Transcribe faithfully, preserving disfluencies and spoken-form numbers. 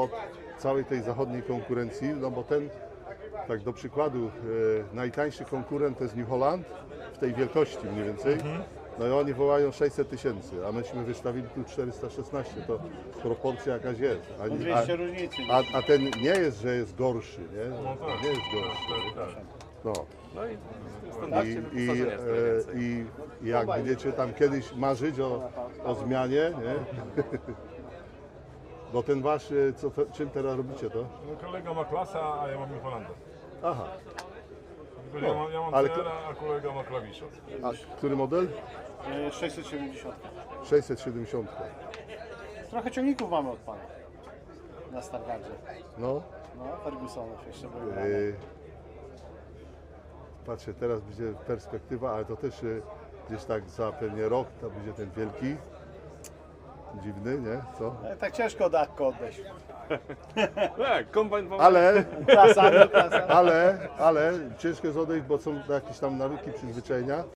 od całej tej zachodniej konkurencji, no bo ten, tak do przykładu, e, najtańszy konkurent to jest New Holland w tej wielkości mniej więcej. No i oni wołają sześćset tysięcy, a myśmy wystawili tu czterysta szesnaście, to proporcja jakaś jest. A, No dwieście różnicy. a, a ten nie jest, że jest gorszy, nie? No tak. Nie jest gorszy. Tak, tak. No. No i w I, standardzie i, wyposażenia jest trochę e, więcej. I jak będziecie tam kiedyś marzyć o, o zmianie, nie? Bo ten wasz, e, co, te- czym teraz robicie to? No, kolega ma klasa, a ja mam Holanda. Aha, Tylko ja mam, ja mam ale- C L a, a kolega ma klawisza. a który model? E, sześćset siedemdziesiąt. sześćset siedemdziesiąt. Trochę ciągników mamy od pana. Na Stargardzie. No. No, Fergusonów jeszcze były. E, patrzę, teraz będzie perspektywa, ale to też e, gdzieś tak za pewnie rok to będzie ten wielki. Dziwny, nie? Co? E, tak ciężko od Akko odejść. Tak, kombajn wam... Ale, Klasa, no klasa. ale, ale ciężko jest odejść, bo są jakieś tam nawyki, przyzwyczajenia.